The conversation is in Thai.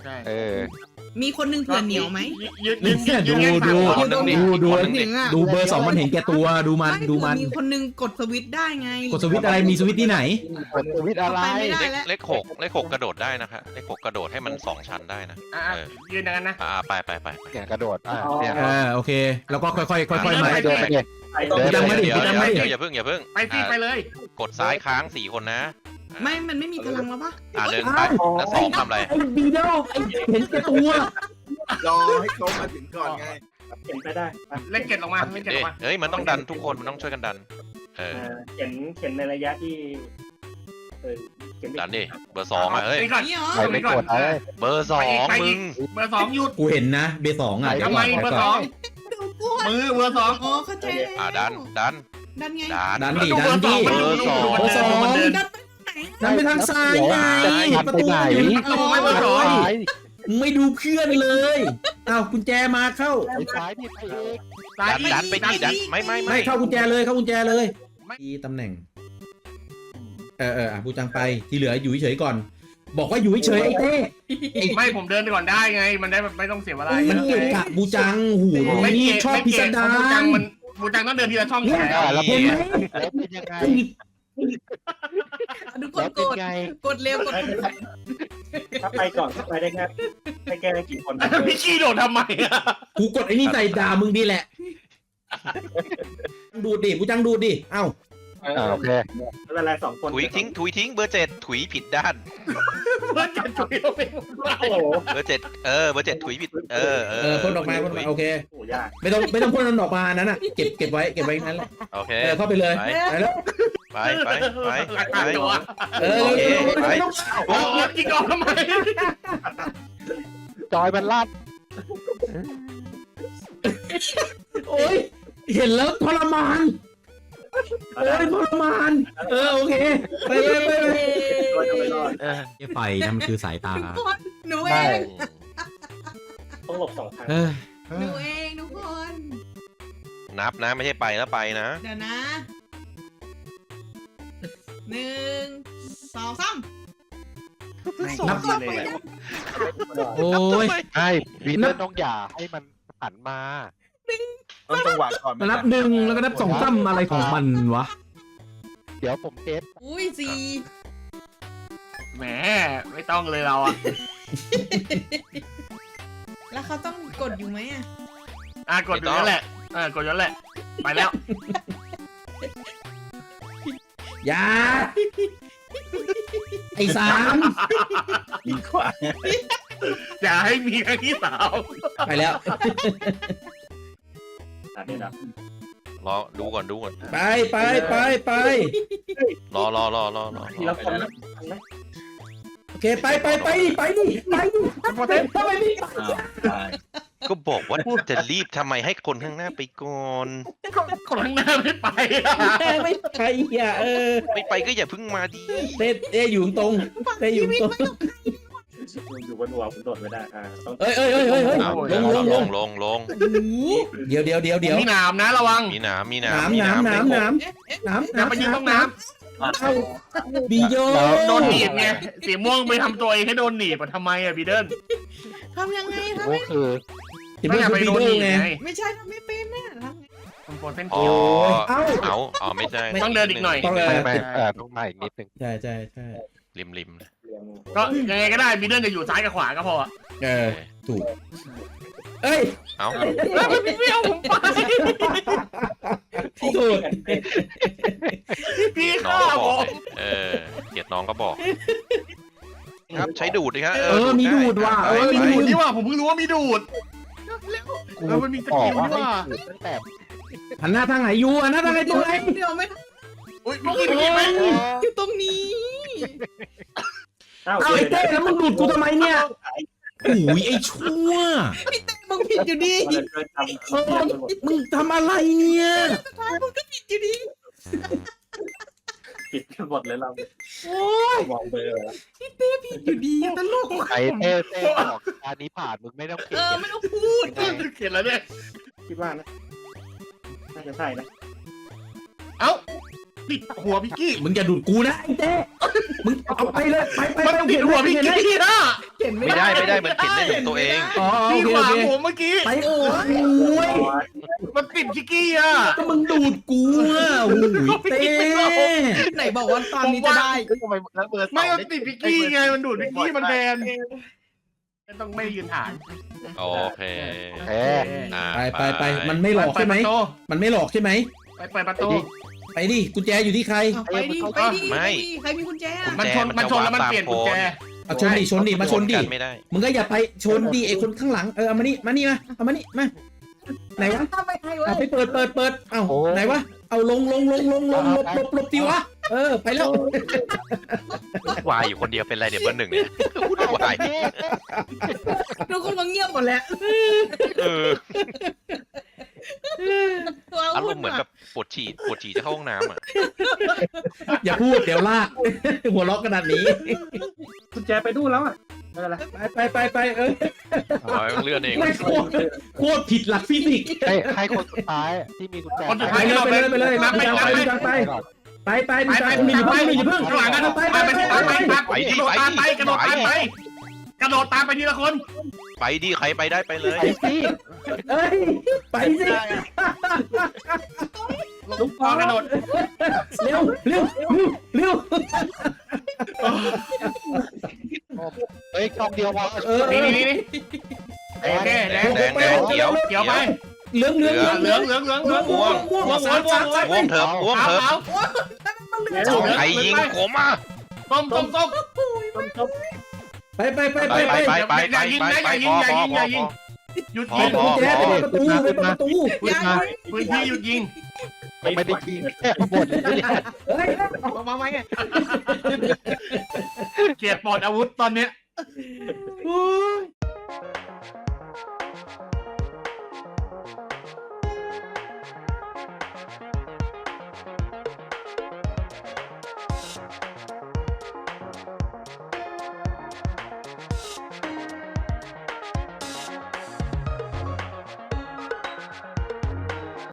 ใช่มีคนนึงเผื่อเหนียวไหมดูเบอร์สองมันเห็นแก่ตัวดูมันไม่ดูเผื่มัอน มีคนนึงกดสวิตช์ได้ไงกดสวิตช์อะไรมีสวิตช์ที่ไหนกดสวิตช์อะไรไปไม่ได้แล้วเลขหกกระโดดได้นะคะเลขหกกระโดดให้มัน2 ชั้นได้นะยืนอย่างนั้นนะไปเนี่ยกระโดดเนี่ยโอเค แล้วก็ค่อยๆมาเดินไปดิยังไม่ได้เดี๋ยวยังไม่ได้อย่าเพิ่งไปสิไปเลยกดซ้ายค้าง4 คนนะไม่มันไม่มีพลังแล้วปะเดินไปแล้ว2ทำอะไรไอ้บีโดไอ้เห็นแก่ตัวรอให้เขามาถึงก่อนไงเขียนไปได้เล่นเก็บลงมาเล่นเก็บลงมาเฮ้ยมันต้องดันทุกคนมันต้องช่วยกันดันเขียนในระยะที่เขียนดันดิเบอร์2อ่ะเฮ้ยนี่ก่อนนี่เหรอไปไม่กดเลยเบอร์2มึงเบอร์2หยุดกูเห็นนะเบสองอ่ะทำไมเบอร์2 ดูกลัวมือเบอร์2 อ๋อเข้าใจแล้วดันดันไงดันดิดูดันดิเบอร์2 เบอร์สองมันเดินดันไปไหนดันไปทางซ้ายไงประตูอยู่เอาไว้เบอร์สองไม่ดูเพื่อนเลยอ้าวกุญแจมาเข้าไปซ้ายนี่ไปเองดันไปดิดันไม่ไม่เข้ากุญแจเลยเข้ากุญแจเลยที่ตำแหน่งบูจังไปที่เหลืออยู่เฉยๆก่อน บอกว่าอยู่เฉยๆไอ้เต้ไม่ผมเดินไปก่อนได้ไง มันได้ไม่ต้องเสียเวลามันเกะกะบูจังหูนี่ชอบพิสดารบูจังต้องเดินทีละช่องแขนแล้วเห็นไหมเป็นยังไงทุกคแล้นวเป็นกดไงกดเร็วกดถ้าไปก่อนถ้าไปได้แค่ให้แก้ได้กี่คนพี่ขี้โดดทำไมอ่ะกูกดไอ้นี่ใส่ด่ามึงดีแหละดูดดิบูจังดูดดิเอ้าโอเคเวลา2 คนถุยทิ้งเบอร์7ถุยผิดด้านเพื่อนจัดจุยเราไปโอ้โหเบอร์7เบอร์7ถุยผิดพ่นออกมาโอเคโอ้ยากไม่ต้องพ่นมันออกมานั้นน่ะเก็บไว้นั่นแหละโอเคเข้าไปเลยไปแล้วไปหลักฐานตัวไปโอ้ยกินก่อนทำไมจอยมันลั่นโอ้ยเห็นแล้วทรมานทรมานโอเคไปเลย ไฟนั่นมันคือสายตาทุกคนหนูเองต้องหลบ2 ทางหนูเองทุกคนนับนะไม่ใช่ไปแล้วไปนะเดี๋ยวนะ1 2 3 นับเลยโอ้ยใช่วีเตอร์ต้องอย่าให้มันหันมาต้องจังหวะก่อนนับ1แล้วก็นับ2ซ้ำอะไรของมันวะเดี๋ยวผมเทสอุ้ยแหมไม่ต้องเลยเราอ่ะ 4แล้วเขาต้องกดอยู่ไหมอ่ะกดอยู่นั่นแหละกดอยู่นั่นแหละไปแล้วอย่าไอ้3 ยิงขวาอย่าให้มีครั้งที่3 ไปแล้วนี่นะรอดูก่อนไปรอทีละคนนะโอเคไปดิทำไมไม่ก็บอกว่าจะรีบทำไมให้คนข้างหน้าไปก่อนคนข้างหน้าไม่ไปไม่ไปอ่ะไม่ไปก็อย่าเพิ่งมาดีเต้อยู่ตรงอยู่บนหัวผมโดดไม่ได้ต้องเฮ้ยลงเดี๋ยวมีหนามนะระวังมีหนามน้ำอย่าไปยืนตรงน้บีโยำโดนหนีบไงสีม่วงไปทำตัวเองให้โดนหนีบทำไมอ่ะบีเดิลทำยังไงทำก็ไม่คือไม่อยากไปโดนหนีบไงไม่ใช่ทำไม่เป็นน่ะทำไงโปรเส้นอ๋อเอ้าไม่ใช่ต้องเดินอีกหน่อยไม่ต้องมาอีกนิดนึงใช่ริมก็ยังไงก็ได้บีเดิลจะอยู่ซ้ายกับขวาก็พอถูกเอ้ยเอ้าไม่เอาผมไปถูกพี่น้อข้างก็ผบอกมเกลียดน้องก็บอกครับใช้ดูดดิครับมีดูดว่ะมีดูดนี่ว่ะผมเพิ่งรู้ว่ามีดูดกูมันมีสบอกิกลว่านี่ให้ว่ะถือตั้งแต่หันหน้าทางไหนอยู่หันหน้าทางไหนตรงไหนเดี๋ยวไม่อุ้ยพี่กินไหมอยู่ตรงนี้เอาไอ้เต้แล้วมึงดูดกูทำไมเนี่ยโอ้ยไอ้ชั่วมึงผิดอยู่ดีมึงทำอะไรเนี่ยสุดท้ายมึงก็ผิดอยู่ดีปิดกันหมดเลยเราโอ้ยมองเบอร์แล้วผิดอยู่ดีตลกไอ้เต้บอกการนี้ผ่านมึงไม่ต้องเก่งไม่ต้องพูดเขียนแล้วเนี่ยคิดว่านะน่าจะใช่นะเอ้าติดหัวพี่กี้มึงอย่าดูดกูนะไอ้เต้มึงเอาไปเลยไปมันติดหัวพี่กี้นะเขีข็นไม่ไม่ได้ได้มันเข็นได้ถึงตัวเองอ๋อโอพี่เคขโอวางเคผมเมื่อกี้ไปโอ้ยมันติดชิกกี้อ่ะก็มึงดูดกูอ่ะโอ้ยเต้ไหนบอกว่าตอนนี้จะได้ทำไมแล้วเบอร์ไม่มันติดพิกกี้ไงมันดูดพิกกี้มันแทนไม่ต้องไม่ยืนฐานโอเคแพ้อ่าไปมันไม่หลอกใช่ไหมเปิดประตูมันไม่หลอกใช่ไหมไปเปิดประตูไปดิกุญแจอยู่ที่ใครเอาไปดิไปดิใครมีกุญแจมันชนแล้วมันเปลี่ยนกุญแจเอาชนดิมาชนดิกันไม่ได้มึงก็อย่าไปชนดิไอคนข้างหลังเอามานี่มาเอามานี่มาไหนวะไม่ให้เว้เอายไปเปิดเอ้าไหนวะเอาลงหลบดิวะไปแล้ววายอยู่คนเดียวเป็นไรเดี๋ยวเบอร์หนึ่งเนี่ยพูดวายทุกคนก็เงียบหมดแล้วเอออารมณ์เหมือนแบบปวดฉี่จะเข้าห้องน้ำอ่ะอย่าพูดเดี๋ยวลากหัวล็อกขนาดนี้กุญแจไปดูแล้วอ่ะไม่เป็นไรไปอ๋อเลื่อนเองไม่โคตรผิดหลักฟิสิกส์ให้คนสุดท้ายที่มีกุญแจคนสุดไปท้ายเลยนับไปมีจังไปมีจังข้างหลังกันไปกระโดดตามไปทีละคนไปดิใครไปได้ไปเลยไปสิลุกพอกระโดดเร็วเฮ้ยกล่องเดียวพอนี่โอเคแดงเขียวไปเหลืองม่วงม่วงเถิบใครยิงผมอ่ะต้มไปหยุดๆยิงกุญแจไปประตูพื้นที่หยุดยิงไม่ได้กินแค่หมดเลยเนี่ยเฮ้ยมาไหมเกียร์ปลดอาวุธตอนเนี้ยโอ้ย